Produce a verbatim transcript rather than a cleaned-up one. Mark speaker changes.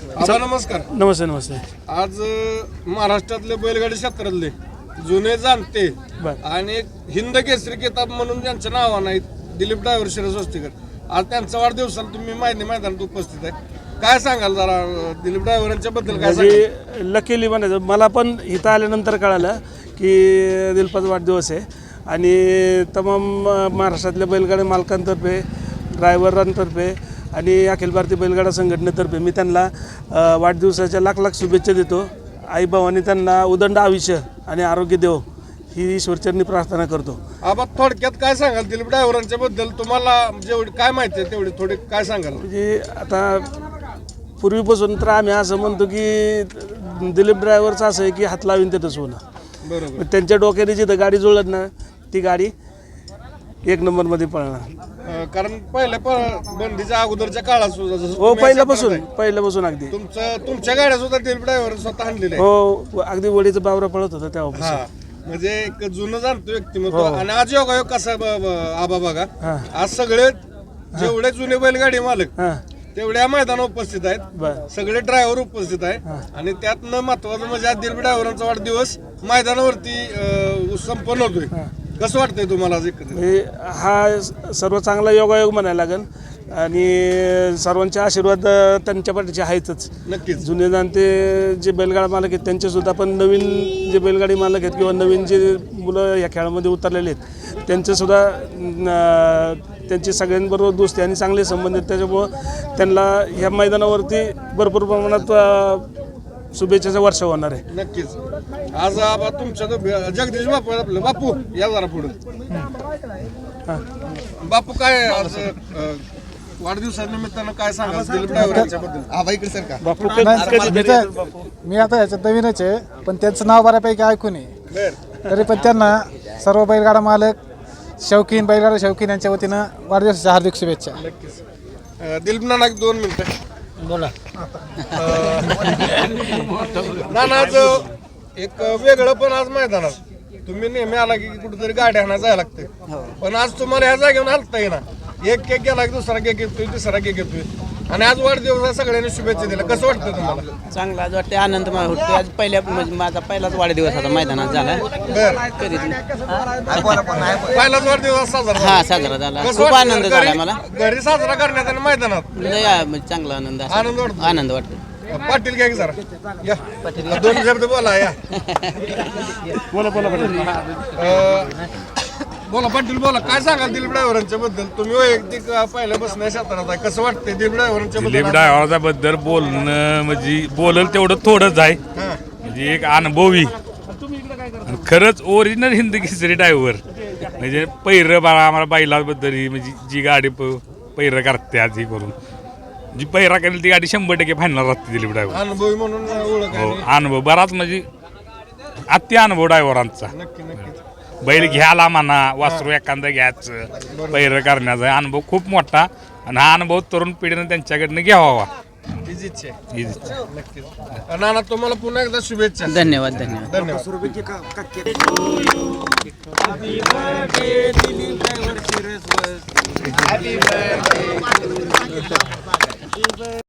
Speaker 1: आबा नमस्कार.
Speaker 2: नमस्ते नमस्ते.
Speaker 1: आज अ, महाराष्ट्रातले बैलगाडी क्षेत्रातले जुने जाणते आणि एक हिंद केसरी किताब म्हणून ज्यांचं नाव नाही दिलीप ड्रायव्हर शिरस वस्तीकर, आज त्यांचा वाढदिवसाला तुम्ही माहिती मैदानात उपस्थित आहे. काय सांगाल जरा अ, दिलीप ड्रायव्हरांच्या बद्दल काय सांगाल?
Speaker 2: म्हणजे लकीली म्हणायचं मला पण इथं आल्यानंतर कळालं की दिलपाचा वाढदिवस आहे आणि तमाम महाराष्ट्रातल्या बैलगाडी मालकांतर्फे ड्रायव्हरांतर्फे आणि अखिल भारतीय बैलगाडा संघटनेतर्फे मी त्यांना वाढदिवसाच्या लाख लाख शुभेच्छा देतो. आईबावांनी त्यांना उदंड आयुष्य आणि आरोग्य देव ही ईश्वरचरणी प्रार्थना करतो.
Speaker 1: आबा थोडक्यात काय सांगाल दिलीप ड्रायव्हरांच्या बद्दल? तुम्हाला जेवढी काय माहिती आहे तेवढी थोडी काय सांगाल?
Speaker 2: म्हणजे आता पूर्वीपासून तर आम्ही असं म्हणतो की दिलीप ड्रायव्हरचं असं आहे की हात लावीन तिथंच होणं.
Speaker 1: बरोबर.
Speaker 2: त्यांच्या डोक्याने जिथं गाडी जुळत ना ती गाडी एक नंबरमध्ये पळणार.
Speaker 1: अ, कारण पहिल्या प- बंदीच्या अगोदरच्या काळात सुद्धा जसं
Speaker 2: हो
Speaker 1: तुम्ही
Speaker 2: पहिल्यापासून
Speaker 1: असं करताय,
Speaker 2: पहिल्यापासून अगदी
Speaker 1: तुमचं तुमच्या गाड्या सुद्धा दिलीप ड्रायव्हर स्वतः आणलेल्या आहेत.
Speaker 2: हो अगदी वडीचं बावरा पळत होता तेव्हापासून.
Speaker 1: हा म्हणजे एक जुनं जाणतो व्यक्तिमत्व. आणि आज योगायोग कसा आहे ब- ब- आबा बघा,
Speaker 2: हा.
Speaker 1: आज सगळे जेवढे जुने बैलगाडी मालक
Speaker 2: हां
Speaker 1: तेवढ्या मैदानावर उपस्थित आहेत,
Speaker 2: बरं
Speaker 1: सगळे ड्रायव्हर उपस्थित आहे. आणि त्यात न महत्वाचं म्हणजे आज दिलीप ड्रायव्हरांचा वाढदिवस मैदानावरती अं, संपन्न होतोय. कसं वाटतंय तुम्हाला आज एकंदरीत?
Speaker 2: म्हणजे हा सर्व चांगला योगायोग म्हणायला लागेल आणि सर्वांचे आशीर्वाद त्यांच्या पाठीचे आहेतच.
Speaker 1: नक्कीच.
Speaker 2: जुने जाणते जे बैलगाडा मालक आहेत त्यांचेसुद्धा पण नवीन जे बैलगाडी मालक आहेत किंवा नवीन जे मुलं या खेळामध्ये उतरलेले आहेत त्यांचेसुद्धा त्यांची सगळ्यांबरोबर दोस्ती आणि चांगले संबंध आहेत. त्याच्यामुळं त्यांना ह्या मैदानावरती भरपूर प्रमाणात शुभेच्छाचा वर्षा होणार आहे.
Speaker 1: नक्कीच. आज आबा तुमच्या तो जगदीश बापू आहेत आपलं. बापू या जरा पुढे. बापू काय आज अं, वाढदिवसानिमित्तानं काय सांगाल दिलीप ड्रायव्हरांच्या बद्दल?
Speaker 3: आबा इकडे सर का
Speaker 2: बापू
Speaker 4: नाही, मी तर- मी आता याच्यात नवीनच आहे पण त्यांचं नाव बऱ्यापैकी ऐकून आहे.
Speaker 1: बर.
Speaker 4: तरी पण त्यांना सर्व बैलगाडा मालक शौकीन बैलगाडा शौकीन यांच्या वतीनं वाढदिवसाच्या हार्दिक शुभेच्छा.
Speaker 1: नक्कीच. अं, दिलीप नाना एक दोन मिनिटं
Speaker 4: बोला.
Speaker 1: नाना आज एक वेगळं पण आज मैदानात तुम्ही नेहमी आला की कुठेतरी गाड्या आणायला जायला लागते, पण आज तुम्हाला ह्या जागेवर हलता येईना. एक केक गेला की दुसरा केक येतोय, तिसरा केक येतोय आणि आज वाढदिवस सगळ्यांनी शुभेच्छा दिल्या. कसं वाटतं तुम्हाला?
Speaker 5: चांगला आज वाटते, आनंद मला होतो. आज पहिल्या म्हणजे माझा पहिलाच वाढदिवस आता मैदानात झाला.
Speaker 1: बर.
Speaker 5: कधीच नाही.
Speaker 1: पहिलाच वाढदिवस साजरा झाला.
Speaker 5: हा साजरा झाला.
Speaker 1: कसं
Speaker 5: खूप
Speaker 1: वाटतं?
Speaker 5: आनंद झाला
Speaker 1: घरी-
Speaker 5: मला.
Speaker 1: घरी साजरा करण्यात आणि मैदानात
Speaker 5: लय आ- म्हणजे चांगला आनंद असा.
Speaker 1: आनंद वाटतो.
Speaker 5: आनंद वाटतो.
Speaker 1: पाटील घ्या की जरा या दोन शब्द बोला या.
Speaker 2: बोला बोला पाटील.
Speaker 1: अं, बोला पाटील बोला. काय सांगाल दिलीप ड्रायव्हरांच्या बद्दल? तुम्ही वैयक्तिक अं, पहिल्यापासून या क्षेत्रात आहे, कसं वाटतंय दिलीप ड्रायव्हरांच्या
Speaker 6: दिलीप
Speaker 1: बद्दल?
Speaker 6: ड्रायव्हरच्या बद्दल बोलणं म्हणजे बोलल तेवढं थोडंच आहे.
Speaker 1: हां.
Speaker 6: म्हणजे एक अनुभवी आणि खरंच ओरिजिनल हिंद केसरी ड्रायव्हर. म्हणजे पैरं बाळा आम्हाला बैलाबद्दल ही म्हणजे जी गाडी प- पैरं करतात ही करून जी पैरा करेल ती गाडी शंभर टक्के फायनल राहते दिलीप ड्रायव्हर.
Speaker 1: अनुभवी म्हणून ओळख
Speaker 6: हो
Speaker 1: आहे.
Speaker 6: अनुभव बराच म्हणजे अति अनुभव ड्रायव्हरांचा.
Speaker 1: नक्की नक्कीच.
Speaker 6: बैल घ्यायला म्हणा वासरू एखादं घ्यायचं पैरं करण्याचा अनुभव खूप मोठा आणि हा अनुभव तरुण पिढीनं त्यांच्याकडनं घ्यावा.
Speaker 1: हीच इच्छा आहे.
Speaker 6: हीच इच्छा.
Speaker 1: नक्कीच. नाना तुम्हाला पुन्हा एकदा शुभेच्छा.
Speaker 5: धन्यवाद धन्यवाद.
Speaker 1: धन्यवाद.